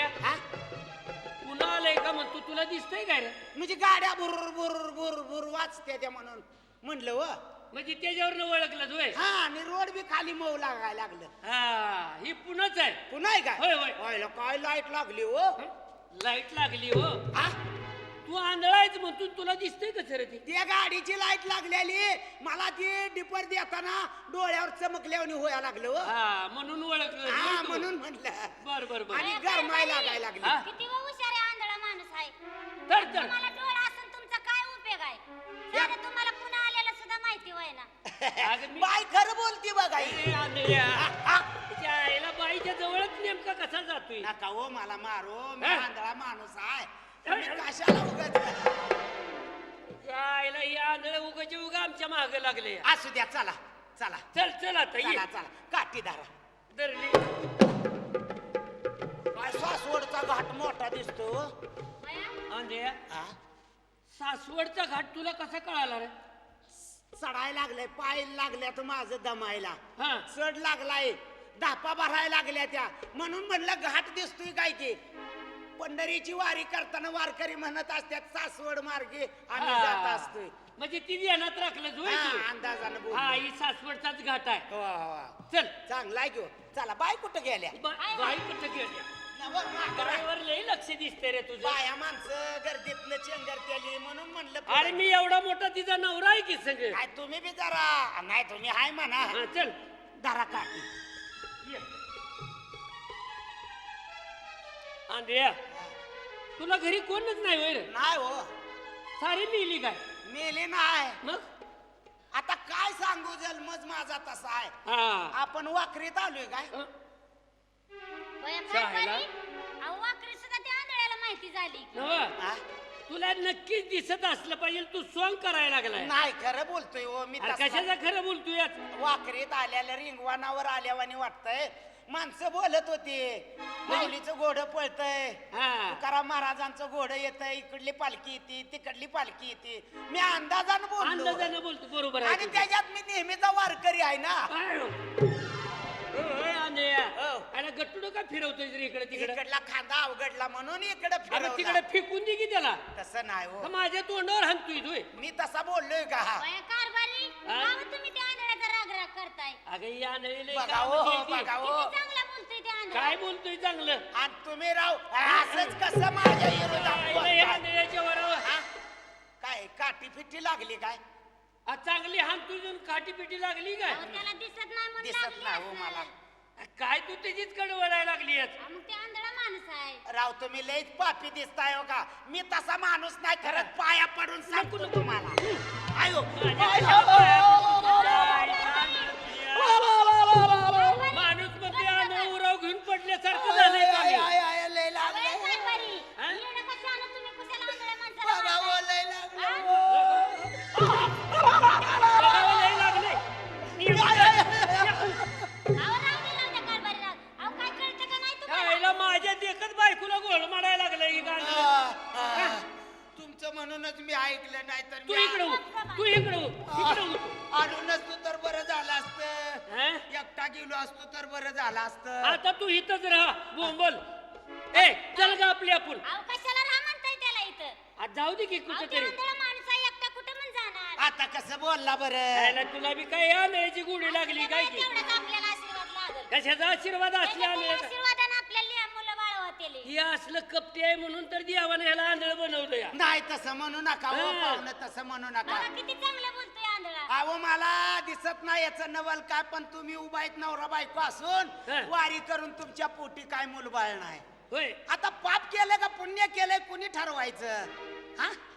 हा पुन्हा आलंय का म्हणतो तुला दिसतंय काय रे म्हणजे गाड्या बुर बुर बुर बुर वाचते त्या म्हणून म्हणलं व म्हणजे त्याच्यावर ओळखलं होय हा आणि रोड बी खाली मऊ लागायला लागलं हा ही पुन्हाच आहे पुन्हा आहे होय, होय. काय व्हायला काय लाईट लागली हो लाईट लागली हो हा तू आंधळायच म्हणतो तुला दिसतंय का सर ती त्या गाडीची लाईट लागलेली मला ती डिपर देताना डोळ्यावर चमकल्यावर होया लागलं हो हा म्हणून ओळखलं हा होय तू. म्हणून म्हणलं बर बर बर आणि गरमाय लागायला लागली हा? किती हुशार आहे आंधळा माणूस आहे तर तर तुम्हाला डोळा असून तुमचा काय उपयोग आहे साधं तुम्हाला पुन्हा आलेला सुद्धा माहिती होय ना अगं मी बाय खरं बोलती बघा ही. ए, आंधळ्या. हा? त्या आईला बाईच्या जवळच नेमका कसा जातोय नका हो मला मारो मी हा? आंधळा माणूस आहे मी कशाला उगाच त्या आईला ही आंधळ उगाच्या उगा आमच्या मागे लागले असू द्या चला चला चल चल आता ये चला चला काठी धारा धरली काय सासवडचा घाट मोठा दिसतो हो. बया, आंधळ्या हा? सासवडचा घाट तुला कसा कळाला रे चढायला लागलाय पाय लागल्यात माझं दमायला हा चढ लागलाय धापा भरायला लागल्या त्या म्हणून म्हणलं घाट दिसतोय काय की पंढरीची वारी करताना वारकरी म्हणत असतात सासवड मार्गे आम्ही हा. जात असतोय म्हणजे ती ध्यानात राखलं होय हा, तू? अंदाजानं बोल हा ही सासवडचाच घाट आहे हो, चल चांगला आहे घेऊ चला बाय कुठं गेल्या बाई कुठं गेल्या नवं माकडं. बाईवर लई लक्ष दिसते रे तुझं बाया माणसं गर्दीतनं चेंगरतेली म्हणून म्हणलं अरे पुढं. मी एवढा मोठा तिचा नवरा आहे की सगळं काय तुम्ही बी जरा नाही तुम्ही हाय म्हणा हा चल धरा काठी ये. आंधळ्या तुला घरी कोणच नाही होय रे नाही हो सारी मिली काय मेले नाही मग आता काय सांगू जन्मच माझा तसा आहे हा आपण वाकरीत आलोय काय हं? बया शाळेला? कारभारी, अहो वाकरी सुद्धा त्या आंधळ्याला माहिती झाली की. नवं, हा? तुला नक्कीच दिसत असलं पाहिजे तू सॉंग करायला लागलाय नाही खरं बोलतोय हो मी अरे तसा. कशाचं खरं बोलतोय यात? वाकरीत आल्याला रिंगवानावर आल्यावानी वाटतंय माणसं बोलत होती माऊलीचं घोडं पळतय हा तुकाराम महाराजांचं घोडं येतंय इकडली पालखी येते तिकडली पालखी येते मी अंदाजानं बोललो अंदाजानं बोलतो बरोबर आहे आणि तुझं. त्याच्यात मी नेहमीचा वारकरी आहे ना काय हो? होय, आंधळ्या. हो. अरे गट्टू का फिरवतोय रे इकडे तिकडे इकडला खांदा अवघडला म्हणून इकडे अरे फिरवला तिकडे फेकून दे की त्याला तसं नाही का हो माझ्या तोंडावर हाणतोय तू मी तसा बोललोय का बया कारभारी, हा? का हो तुम्ही त्या आंधळ्याचा राग करताय अगं या नळीला बघा काम हो केली. बघा हो किती चांगला बोलतोय त्या आंधळा. काय बोलतोय चांगलं आणि तुम्ही राव असंच कसं माझ्या विरोधात आईला या बोलताय? नळ्याच्या वरावर हा? काय काठी फिटी लागली काय आ, चांगली हान तुझून काठी पिटी लागली काय अहो, त्याला दिसत नाही म्हणून दिसत लागली नाही हो असेल. मला काय तू त्याचीच कडे वळायला लागली आहेस? हा, मग ते आंधळा माणूस आहे राव तुम्ही लईच पापी दिसताय हो का मी तसा माणूस नाही खरंच पाया पडून सांगतो तुम्हाला आयो माझ्या माणूस मग ते आंधळ उराव घेऊन पडल्यासारखं झालंय का मी? लय बया लागलंय कारभारी, हा? येणं कशानं तुम्ही कुशाला आंधळ्या माणसाला बघा हो, मारताय? लय लागलंय. बघावं लय लागलंय. अहो, राहू दे, राहू दे कारभारी, राहू दे. अहो, काय कळतं का नाही तुम्हाला? यायला माझ्या देखत बायकोला गोळ मारायला लागलाय की गाणं. तुमचं म्हणूनच मी ऐकलं नाही तर तू इकडे हो, तू इकडे हो, इकडे हो. आलो नसतो तर बरं झालं असतं हा? एकटा गेलो असतो तर बरं झालं असतं आता तू इथंच राहा बोंबल ए चल ग आपली आपण अहो, कशाला राहा म्हणताय त्याला इथं? आज जाऊ दे की अहो, ते कुठेतरी आंधळा माणूस आहे, एकटा कुठं पण जाणार? आता कसं बोलला बरं यायला तुला बी काय या नळीची गोडी लागली काय की तेवढाच आपल्याला आशीर्वाद लागेल. कशाचा आशीर्वाद असल्या त्याच्या आले का आशीर्वादानं आपल्याला मुलं बाळ होतील. हे असलं कपटी आहे म्हणून तर देवाने ह्याला आंधळ बनवलं या नाही तसं म्हणू नका हो हा. पाहुणं तसं म्हणू नका बघा किती चांगलं बोलतोय आंधळा. अहो मला दिसत नाही याचं नवल काय पण तुम्ही उभा आहेत नवरा बायको असून हा. वारी करून तुमच्या पोटी काय मुलबाळ नाही होय आता पाप केलं का पुण्य केलंय कुणी ठरवायचं हा